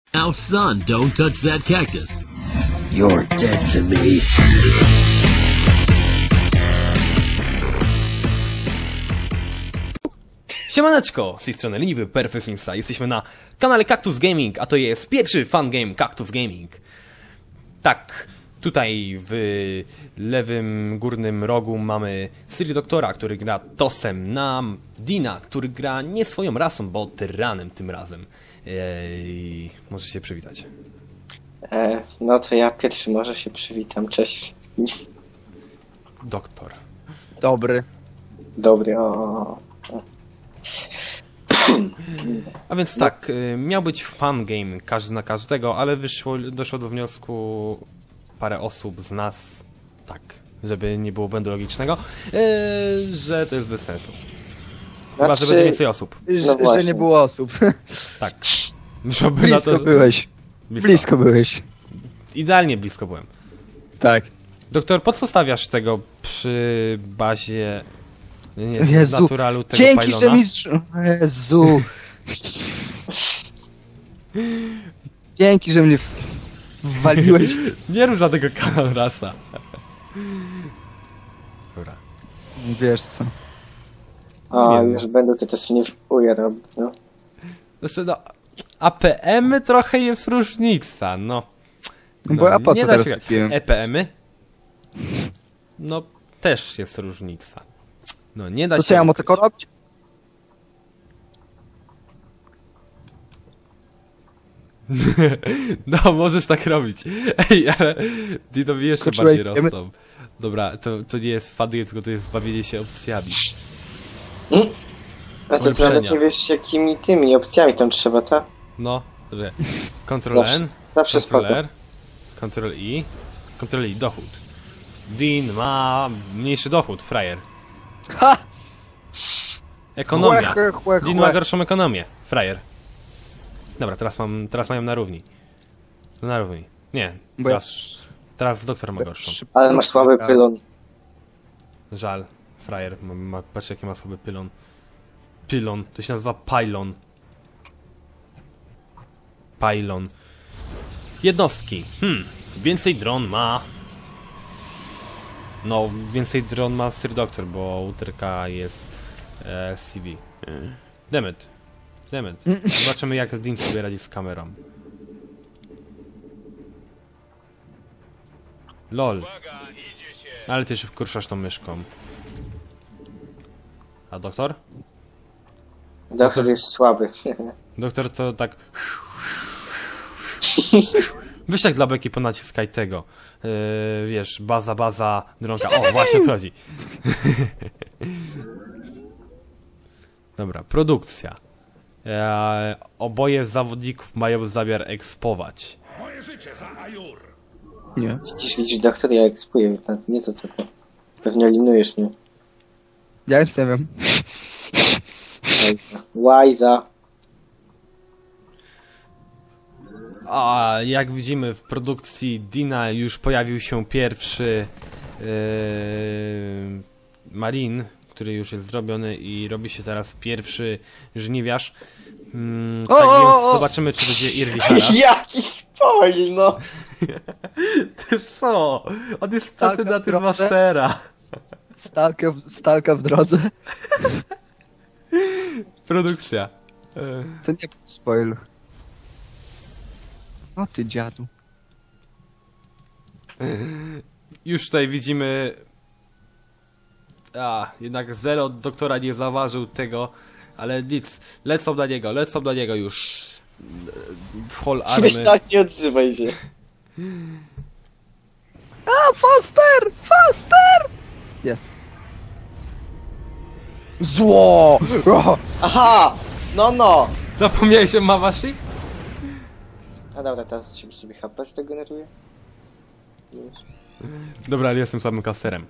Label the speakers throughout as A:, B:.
A: Now, son, don't touch that cactus.
B: You're dead to me.
C: Siemaneczko, z tej strony Leniwy Perfekcjonista. Jesteśmy na kanale Cactus Gaming, a to jest pierwszy fan game Cactus Gaming. Tak, tutaj w lewym górnym rogu mamy Siri Doktora, który gra Tosem, na Dina, który gra nie swoją rasą, bo tyranem tym razem. Możesz się przywitać.
D: No to ja pierwszy może się przywitam. Cześć wszystkim.
C: Doktor.
E: Dobry.
D: Dobry, o.
C: A więc tak, miał być fan game każdy na każdego, ale doszło do wniosku parę osób z nas, tak, żeby nie było błędu logicznego, że to jest bez sensu. Chyba, że będzie więcej osób.
D: No
E: że nie było osób.
C: Tak. Wyszłoby
E: Blisko
C: na to, że...
E: byłeś. Blisko byłeś.
C: Idealnie blisko byłem.
E: Tak.
C: Doktor, po co stawiasz tego przy bazie... Nie,
E: Jezu,
C: naturalu tego
E: dzięki,
C: pylona?
E: że mistrz... Jezu. Dzięki, że mnie wwaliłeś.
C: Nie rób żadnego kanonrasa. Dobra.
E: Wiesz co.
D: O,
C: Nie
D: już będę to też mnie wpuje robić, no.
C: Znaczy, no... APM-y trochę jest różnica, no.
E: Bo a po
C: nie
E: co
C: da
E: teraz
C: się...
E: kupiłem?
C: EPM-y? No, też jest różnica. No, nie da
E: To
C: się...
E: co ja mam
C: ukryć.
E: tylko robić?
C: No, możesz tak robić. Ej, ale Dinowi jeszcze
E: Skoczyłeś,
C: bardziej rosną. Dobra, to nie jest fan game, tylko to jest bawienie się opcjami.
D: A to ty
C: Ulepszenia.
D: nawet nie wiesz jakimi tymi opcjami tam trzeba, tak?
C: No, że Ctrl N,
D: Zawsze
C: Ctrl
D: spoko.
C: R, Ctrl I, Ctrl I, dochód. Dean ma mniejszy dochód, frajer.
E: Ha!
C: Ekonomia.
E: Chłe.
C: Dean ma gorszą ekonomię, frajer. Dobra, teraz mają na równi. No na równi. Nie,
E: Bo ja-
C: teraz doktor ma gorszą.
D: Ale masz słaby pylon.
C: Żal, frajer, patrz jaki ma słaby pylon. Pylon, to się nazywa pylon. Pylon. Jednostki. Więcej dron ma... No, więcej dron ma Sir Doctor, bo uterka jest CV. Demet. Zobaczymy jak Dean sobie radzi z kamerą. LOL. Ale ty się wkurzasz tą myszką. A doktor?
D: Doktor jest słaby.
C: Doktor to tak... Weź tak dla beki ponaciskaj tego. Wiesz, baza, dronka. O, właśnie o co chodzi. Dobra, produkcja. Oboje z zawodników mają zamiar ekspować.
E: Nie.
D: Widzisz, doktor, ja ekspuję. Nie to co. Pewnie linujesz mnie.
E: Ja już nie wiem.
D: Łajza.
C: A jak widzimy w produkcji Dina już pojawił się pierwszy Marin, który już jest zrobiony i robi się teraz pierwszy żniwiarz. Tak więc zobaczymy czy będzie Irvi Hara.
D: Jaki spoil, no!
C: Ty co? On jest
E: Stalka
C: kandydatem
E: w drodze?
C: Mastera.
E: Stalka w drodze.
C: Produkcja.
E: To nie był spoil. O ty dziadu.
C: Już tutaj widzimy... jednak Zero od doktora nie zauważył tego, ale nic. Lecą na niego już. W hall army.
D: Weź tak, nie odzywaj się.
E: A, Foster! Jest. Zło! O!
D: Aha! No!
C: Zapomniałeś o Mawashi?
D: A dobra, teraz sobie HP zregeneruje. Już.
C: Dobra, ale jestem samym kasterem.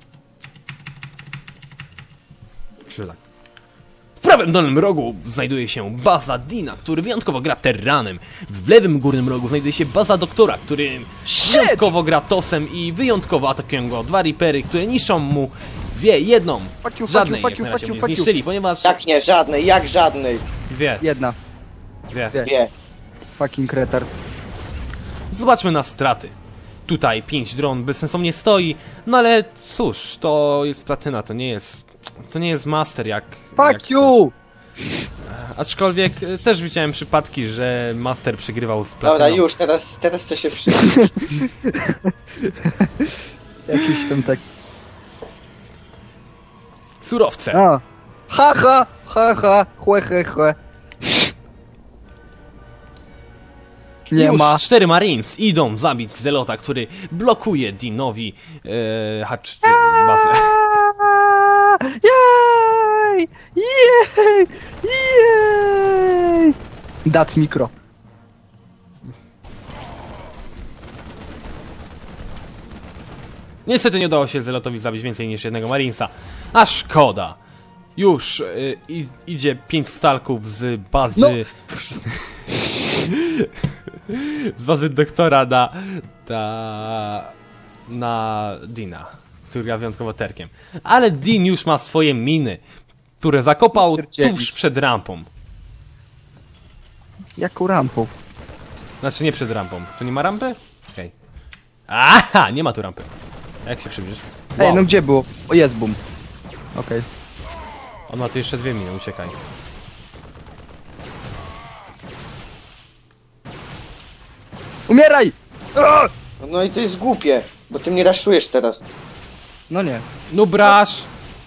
C: Czyli tak. W prawym dolnym rogu znajduje się baza Dina, który wyjątkowo gra Terranem. W lewym górnym rogu znajduje się baza Doktora, który wyjątkowo gra Tosem i wyjątkowo atakują go dwa Reapery, które niszczą mu jedną. Żadnej jak na razie mnie zniszczyli, ponieważ...
D: Jak nie, żadnej, jak żadnej?
C: Dwie.
E: Jedna.
C: Dwie.
D: Dwie.
E: Fucking retard.
C: Zobaczmy na straty. Tutaj 5 dron bezsensownie stoi, no ale cóż, to jest platyna, to nie jest master jak...
E: Fuck you!
C: Aczkolwiek też widziałem przypadki, że master przegrywał z platyną.
D: Dobra, już, teraz to się przyda.
E: Jakiś tam tak...
C: Surowce.
E: A. Haha, haha, chłe. Nie
C: Już
E: ma.
C: 4 Marines idą zabić Zelota, który blokuje Deanowi bazę.
E: Jej! Jej! Jej! Dat mikro.
C: Niestety nie udało się Zelotowi zabić więcej niż jednego Marinesa. A szkoda. Już idzie 5 stalków z bazy...
E: No.
C: z bazy doktora na Deana, który gra wyjątkowo terkiem. Ale Dean już ma swoje miny, które zakopał tuż przed rampą.
E: Jaką rampą?
C: Znaczy nie przed rampą. Tu nie ma rampy? Okej. Aha, nie ma tu rampy. Jak się przybliżysz?
E: Ej,
C: Wow.
E: no gdzie było? O, jest boom. Okej.
C: On ma tu jeszcze 2 miny, uciekaj.
E: Umieraj! O!
D: No i to jest głupie, bo ty mnie raszujesz teraz.
E: No nie.
C: No brasz!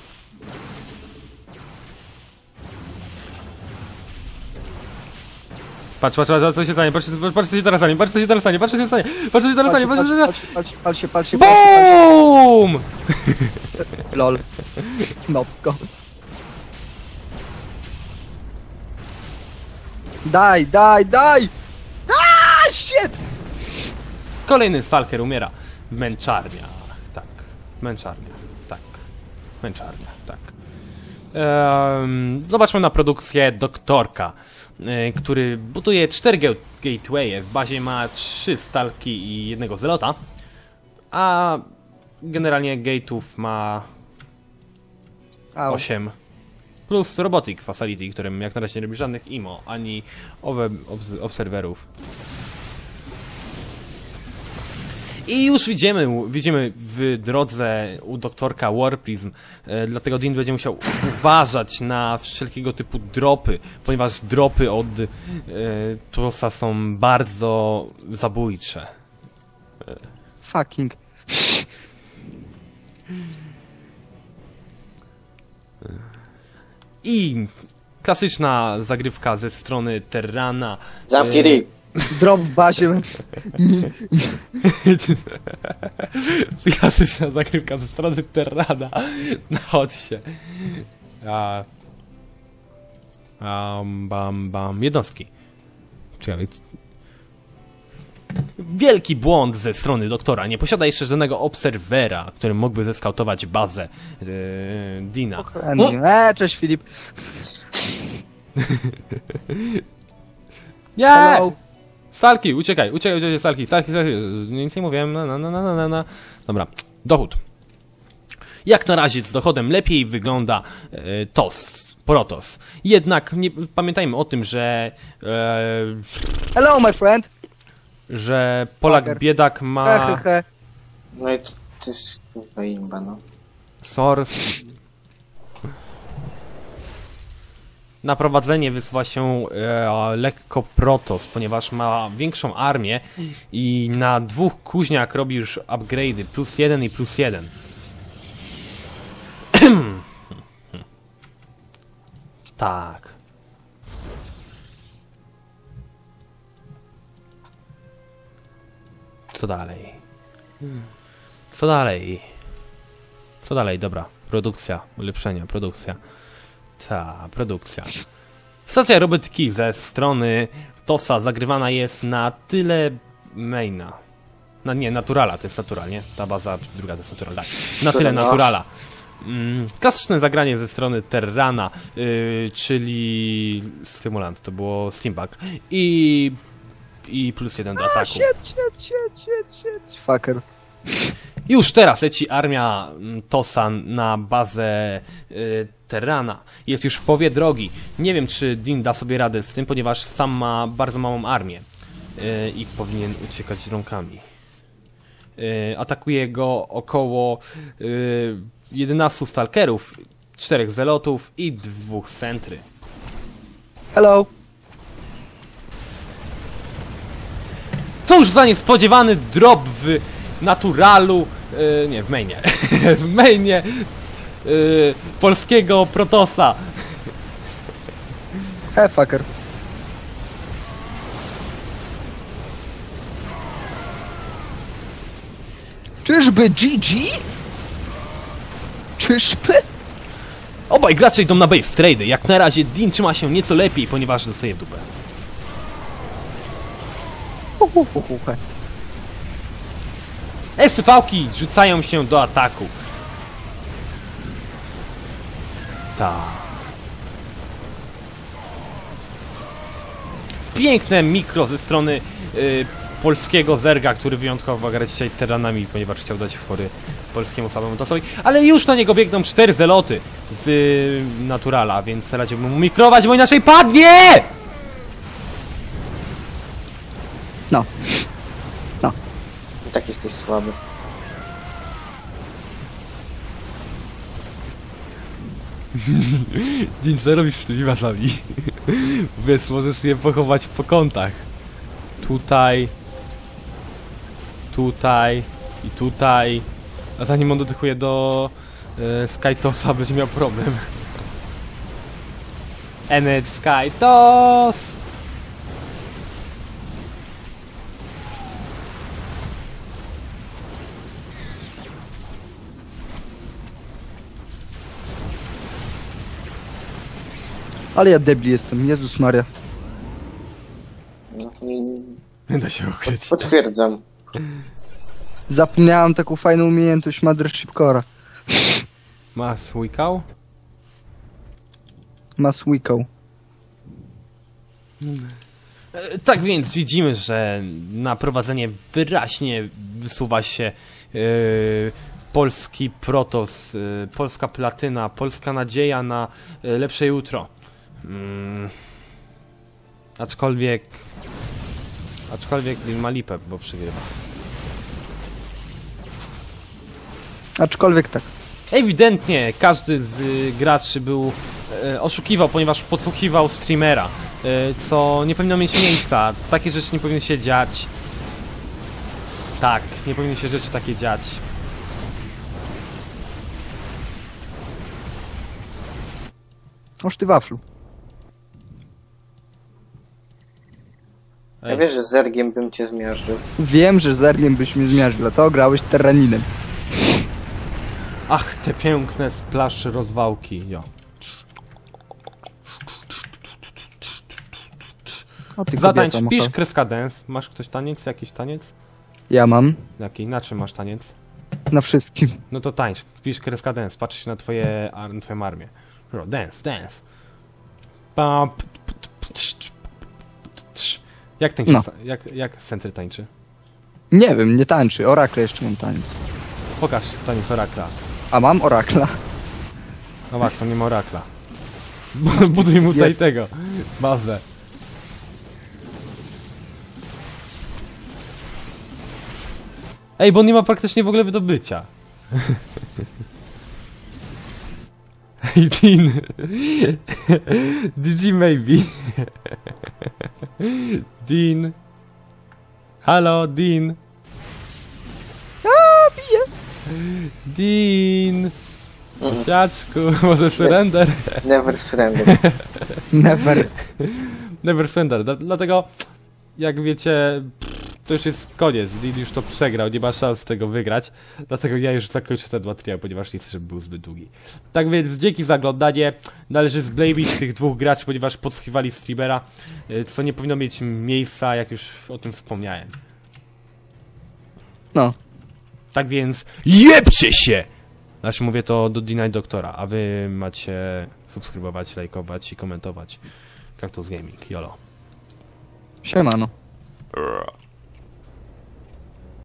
C: Patrz, co się stanie, patrz, co się teraz stanie, patrz, co się teraz stanie, patrz, co się stanie, patrz, co się teraz stanie, patrz, co się stanie.
E: Pal się.
C: BOOM!
E: Lol. Nopsko. Daj! Shit!
C: Kolejny stalker umiera w męczarniach, tak, męczarniach, tak. Zobaczmy na produkcję doktorka, który buduje 4 gatewaye, w bazie ma 3 stalki i 1 zelota, a generalnie gate'ów ma 8. Plus Robotic Facility, którym jak na razie nie robi żadnych IMO, ani obserwerów. I już widzimy w drodze u doktorka Warprism, dlatego Dean będzie musiał uważać na wszelkiego typu dropy, ponieważ dropy od Tosa są bardzo zabójcze.
E: Fucking.
C: I klasyczna zagrywka ze strony Terrana.
D: Zamknij ryj.
E: Drop w bazie.
C: Klasyczna zagrywka ze strony Terrana. No chodź się. Bam. Jednostki. Ciekawe. Wielki błąd ze strony doktora. Nie posiada jeszcze żadnego obserwera, który mógłby zeskautować bazę Deana.
E: Cześć Filip.
C: Nie!
E: Hello.
C: Stalki, uciekaj, stalki. Nic nie mówiłem. Dobra, dochód. Jak na razie z dochodem lepiej wygląda Protoss. Jednak pamiętajmy o tym, że
E: Hello my friend.
C: że Polak
E: Fucker.
C: biedak ma
D: No i ty jest kurwa imba, no.
C: source. Na prowadzenie wysuwa się lekko Protoss, ponieważ ma większą armię i na 2 kuźniach robi już upgrade'y +1 i +1. Tak. Co dalej? Dobra. Produkcja, ulepszenia, produkcja. Produkcja. Stacja robotyki ze strony Tosa zagrywana jest na tyle maina. Naturala, to jest natural, nie? Ta baza druga to jest natural, tak. Na tyle naturala. Klasyczne zagranie ze strony Terrana, czyli stymulant, to było steampunk. I +1 do ataku.
E: Shit. Fucker.
C: Już teraz leci armia Tosa na bazę Terrana. Jest już w połowie drogi. Nie wiem, czy Dean da sobie radę z tym, ponieważ sam ma bardzo małą armię. i powinien uciekać rąkami. Atakuje go około 11 stalkerów, 4 zelotów i 2 sentry.
E: Hello.
C: Cóż za niespodziewany drop w naturalu, nie, w mainie, w mainie polskiego Protosa.
E: Fucker. Czyżby GG? Czyżby?
C: Obaj gracze idą na base trade. Jak na razie Dean trzyma się nieco lepiej, ponieważ dostaje w dupę. SCV-ki rzucają się do ataku. Tak. Piękne mikro ze strony polskiego Zerga, który wyjątkowo gra dzisiaj teranami, ponieważ chciał dać fory polskiemu słabemu tosowi. Ale już na niego biegną 4 zeloty z naturala, więc radziłbym mu mikrować, bo inaczej padnie!
E: No. No.
D: I tak jesteś słaby.
C: Dean, co robisz z tymi masami? Wiesz, możesz je pochować po kątach. Tutaj. Tutaj. I tutaj. A zanim on dotykuje do Skytosa, będzie miał problem. Enet Skytos!
E: Ale ja debil jestem, Jezus Maria.
D: No,
C: Nie da się ukryć.
D: potwierdzam.
E: Zapomniałem taką fajną umiejętność Mothership Core'a.
C: Ma słykał?
E: Maswiko.
C: Tak więc widzimy, że na prowadzenie wyraźnie wysuwa się polski Protos, polska platyna, polska nadzieja na lepsze jutro. Aczkolwiek Dean ma lipę, bo przegrywa.
E: Aczkolwiek tak.
C: Ewidentnie każdy z graczy był oszukiwał, ponieważ podsłuchiwał streamera, co nie powinno mieć miejsca. Takie rzeczy nie powinny się dziać. Tak, nie powinny się rzeczy takie dziać.
E: Oż ty waflu.
D: Ja wiesz, że z Zergiem bym cię zmiażdżył.
E: Wiem, że Zergiem byś mnie zmiażdżył, dlatego grałeś Terraninem.
C: Ach, te piękne splaszy rozwałki, jo.
E: O ty
C: Zatańcz,
E: kobieta,
C: pisz
E: mocha.
C: kreska dance. Masz ktoś taniec? Jakiś taniec?
E: Ja mam.
C: Jaki? Na czym masz taniec?
E: Na wszystkim.
C: No to tańcz, pisz kreska dance, patrz się na twoją armię. Dance, dance. Jak tańczy?
E: No.
C: Jak Sentry tańczy?
E: Nie wiem, nie tańczy. Orakle jeszcze mam taniec.
C: Pokaż taniec Orakla.
E: A mam Orakla.
C: No właśnie, nie ma Orakla. Buduj mu tutaj tego. Bazę. Ej, bo on nie ma praktycznie w ogóle wydobycia. Hey, Dean. DG maybe. Dean. Halo, Dean.
E: A, bije.
C: Dean. Siaczku, może surrender?
D: Never surrender.
E: Never.
C: Never surrender. Dlatego, jak wiecie, to już jest koniec. Dean już to przegrał, nie ma szans tego wygrać. Dlatego ja już zakończę ten materiał, ponieważ nie chcę, żeby był zbyt długi. Tak więc dzięki za oglądanie. Należy zblame'ić tych dwóch graczy, ponieważ podsłuchiwali streamera, co nie powinno mieć miejsca, jak już o tym wspomniałem.
E: No.
C: Tak więc jebcie się! Znaczy mówię to do Dina i Doktora, a wy macie subskrybować, lajkować i komentować Cactus Gaming. Jolo.
E: Siemano.